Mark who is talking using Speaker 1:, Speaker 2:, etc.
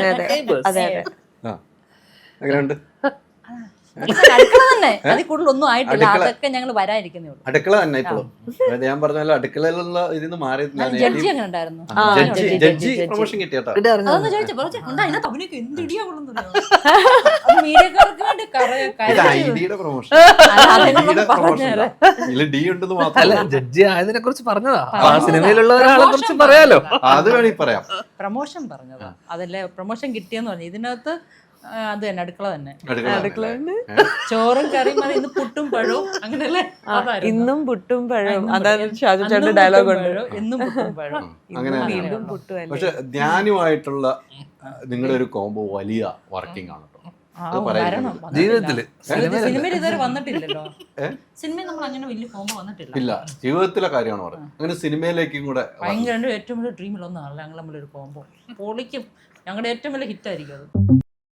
Speaker 1: എങ്ങനെയുണ്ട്?
Speaker 2: അടുക്കള തന്നെ, അതിൽ കൂടുതൽ ഒന്നും ആയിട്ടില്ല. അതൊക്കെ ഞങ്ങൾ വരാനിരിക്കുന്നേ ഉള്ളൂ.
Speaker 1: അടുക്കള തന്നെ ഇപ്പോഴും ഞാൻ പറഞ്ഞല്ലോ, അടുക്കളയിലുള്ള ഇതിന്ന് മാറി.
Speaker 2: ജഡ്ജി അങ്ങനെ ഉണ്ടായിരുന്നു.
Speaker 1: ജഡ്ജി പ്രൊമോഷൻ കിട്ടിയാട്ടോ.
Speaker 2: അതൊന്ന് ചോദിച്ചപ്പോ അതിനകത്ത് അഭിനയൊക്കെ എന്ത് ഇടിയാ മീഡിയക്കാർക്ക് വേണ്ടി
Speaker 1: ഐഡിയുടെ പ്രൊമോഷൻ ഡി ഉണ്ടെന്ന് മാത്രമല്ല,
Speaker 3: ജഡ്ജി ആയതിനെ കുറിച്ച് പറഞ്ഞതാ. സിനിമയിലുള്ള ഒരാളെ കുറിച്ച് പറയാലോ,
Speaker 1: അത് വേണമെങ്കിൽ പറയാം.
Speaker 2: പ്രൊമോഷൻ പറഞ്ഞതാ, അതല്ലേ പ്രൊമോഷൻ കിട്ടിയെന്ന് പറഞ്ഞു. ഇതിനകത്ത് അത് തന്നെ, അടുക്കള തന്നെ. ചോറും കറിയും മതി, ഇന്ന് പുട്ടും പഴവും അങ്ങനെയല്ലേ?
Speaker 4: ഇന്നും പുട്ടും പഴവും, അതാണ് ഷാജു ചേട്ടന്റെ ഡയലോഗ് ഉണ്ട്.
Speaker 2: എന്നും പുട്ടും പഴവും.
Speaker 4: വീണ്ടും പുട്ടും.
Speaker 1: പക്ഷെ ധ്യാനുമായിട്ടുള്ള നിങ്ങളുടെ ഒരു കോംബോ വലിയ വർക്കിംഗ് ആണ്.
Speaker 3: ജീവിതത്തില്
Speaker 2: സിനിമയിൽ ഇതുവരെ വന്നിട്ടില്ലല്ലോ. സിനിമയിൽ നമ്മൾ അങ്ങനെ വലിയ കോംബോ വന്നിട്ടില്ല.
Speaker 1: ഇല്ല, ജീവിതത്തിലെ കാര്യമാണ് പറയുന്നത്. അങ്ങനെ സിനിമയിലേക്കും കൂടെ
Speaker 2: ഭയങ്കര ഏറ്റവും വലിയ ഡ്രീമിലൊന്നാണല്ലോ ഞങ്ങൾ തമ്മിലൊരു കോംബോ. പൊളിക്കും, ഞങ്ങളുടെ ഏറ്റവും വലിയ ഹിറ്റായിരിക്കും അത്.